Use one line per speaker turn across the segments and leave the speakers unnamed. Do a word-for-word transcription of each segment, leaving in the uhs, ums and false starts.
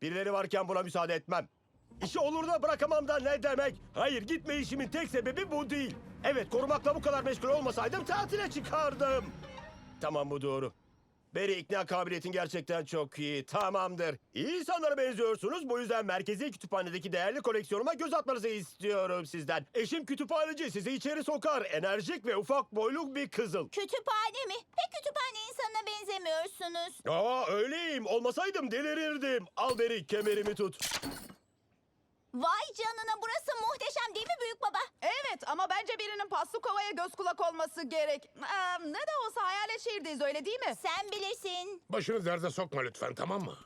Birileri varken buna müsaade etmem. İşi olur da bırakamam da ne demek? Hayır, gitme işimin tek sebebi bu değil. Evet, korumakla bu kadar meşgul olmasaydım tatile çıkardım. Tamam, bu doğru. Barry, ikna kabiliyetin gerçekten çok iyi. Tamamdır. İyi insanlara benziyorsunuz. Bu yüzden merkezi kütüphanedeki değerli koleksiyonuma göz atmanızı istiyorum sizden. Eşim kütüphaneci, sizi içeri sokar. Enerjik ve ufak boyluk bir kızıl.
Kütüphane mi? Pek kütüphane insanına benzemiyorsunuz.
Aa, öyleyim. Olmasaydım delirirdim. Al Barry, kemerimi tut.
Vay canına, burası muhteşem değil mi büyük baba?
Evet ama bence birinin paslı kovaya göz kulak olması gerek. Ee, ne de olsa hayalet şehirdeyiz, öyle değil mi?
Sen bilirsin.
Başını derde sokma lütfen, tamam mı?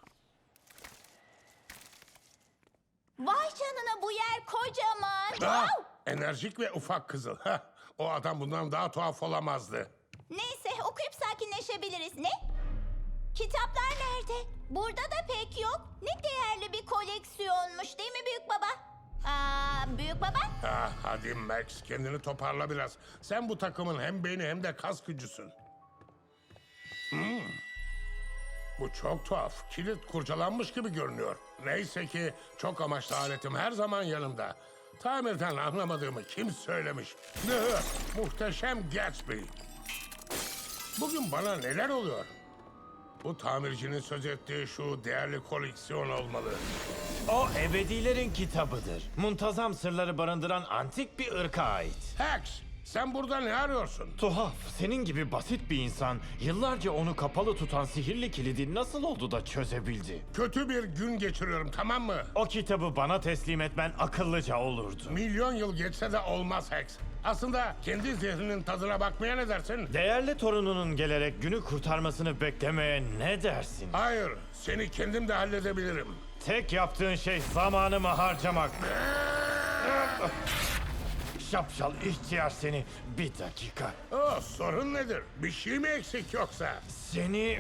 Vay canına, bu yer kocaman.
Ah,
Wow!
enerjik ve ufak kızıl. Heh, o adam bundan daha tuhaf olamazdı.
Neyse, okuyup sakinleşebiliriz. Ne? Kitaplar nerede? Burada da pek yok. Ne değerli bir koleksiyonmuş değil mi büyük baba? Aa, büyük baba?
Ah, hadi Max, kendini toparla biraz. Sen bu takımın hem beyni hem de kas gücüsün. Hmm. Bu çok tuhaf. Kilit kurcalanmış gibi görünüyor. Neyse ki çok amaçlı aletim her zaman yanımda. Tamirden anlamadığımı kim söylemiş? Muhteşem Gatsby. Bugün bana neler oluyor? Bu tamircinin söz ettiği şu değerli koleksiyon olmalı.
O ebedilerin kitabıdır. Muntazam sırları barındıran antik bir ırka ait.
Hex, sen burada ne arıyorsun?
Tuhaf, senin gibi basit bir insan yıllarca onu kapalı tutan sihirli kilidi nasıl oldu da çözebildi?
Kötü bir gün geçiriyorum, tamam mı?
O kitabı bana teslim etmen akıllıca olurdu.
Milyon yıl geçse de olmaz Hex. Aslında kendi zehrinin tadına bakmaya ne dersin?
Değerli torununun gelerek günü kurtarmasını beklemeye ne dersin?
Hayır, seni kendim de halledebilirim.
Tek yaptığın şey zamanımı harcamak. Şapşal ihtiyar seni. Bir dakika.
Oh, sorun nedir? Bir şey mi eksik yoksa?
Seni...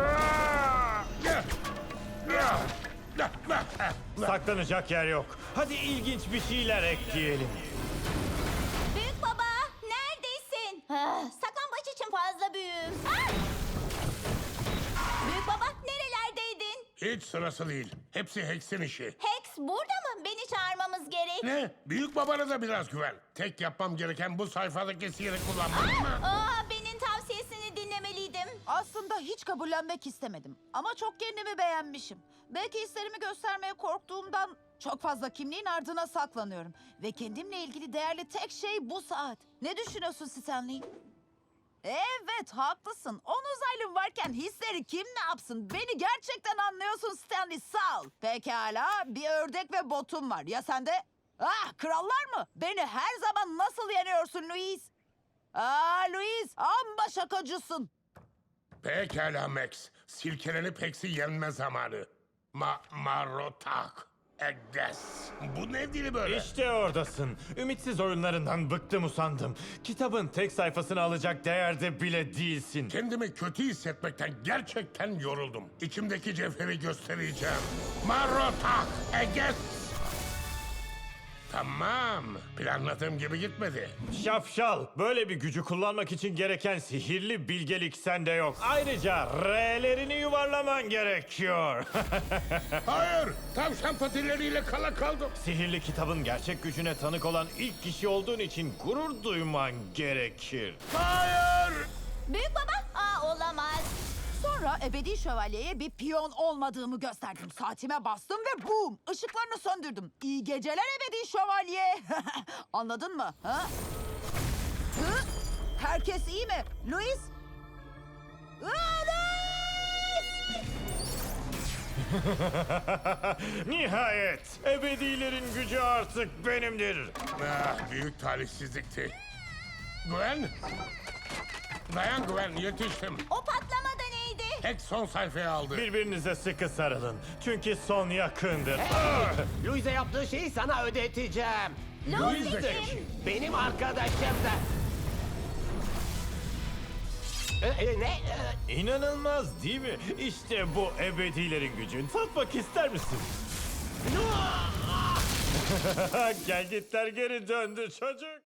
Saklanacak yer yok. Hadi ilginç bir şeyler ekleyelim.
Büyük baba, neredesin? Ah, saklambaç için fazla büyüğüm. Ah! Büyük baba, nerelerdeydin?
Hiç sırası değil. Hepsi Hex'in işi.
Hex burada mı? Beni çağırmamız gerek.
Ne? Büyük babana da biraz güven. Tek yapmam gereken bu sayfadaki sihiri kullanmak mı?
Aa, benim tavsiyesini dinlemeliydim.
Aslında hiç kabullenmek istemedim. Ama çok kendimi beğenmişim. Belki hislerimi göstermeye korktuğumdan çok fazla kimliğin ardına saklanıyorum. Ve kendimle ilgili değerli tek şey bu saat. Ne düşünüyorsun Stanley? Evet, haklısın. On uzaylım varken hisleri kim ne yapsın? Beni gerçekten anlıyorsun Stanley, sağ ol. Pekala, bir ördek ve botum var. Ya sende? Ah, krallar mı? Beni her zaman nasıl yeniyorsun Louise? Aa Louise, amma şakacısın.
Pekala Max. Silkelenip Hex'i yenme zamanı. Ma marotak. Egdes. Bu ne dili böyle?
İşte oradasın. Ümitsiz oyunlarından bıktım usandım. Kitabın tek sayfasını alacak değerde bile değilsin.
Kendimi kötü hissetmekten gerçekten yoruldum. İçimdeki cevheri göstereceğim. Marotak. Egdes. Tamam. Planladığım gibi gitmedi.
Şapşal, böyle bir gücü kullanmak için gereken sihirli bilgelik sende yok. Ayrıca R'lerini yuvarlaman gerekiyor.
Hayır. Tavşan patileriyle kala kaldım.
Sihirli kitabın gerçek gücüne tanık olan ilk kişi olduğun için gurur duyman gerekir.
Hayır.
Büyük baba, aa olamaz.
Sonra ebedi şövalyeye bir piyon olmadığımı gösterdim. Saatime bastım ve boom! Işıklarını söndürdüm. İyi geceler ebedi şövalye. Anladın mı? Ha? Hı? Herkes iyi mi? Louis? Aa, Louis!
Nihayet ebedilerin gücü artık benimdir.
Ah, büyük talihsizlikti. Gwen. Dayan Gwen, yetiştim.
O patlama da neydi?
Hex son sayfayı aldı.
Birbirinize sıkı sarılın. Çünkü son yakındır.
Louis'e yaptığı şeyi sana ödeteceğim.
Louis
de
kim?
kim?
Benim arkadaşım da. Ee, e, ne? Ee,
İnanılmaz değil mi? İşte bu ebedilerin gücü. Tatmak ister misin? Gel gitler geri döndü çocuk.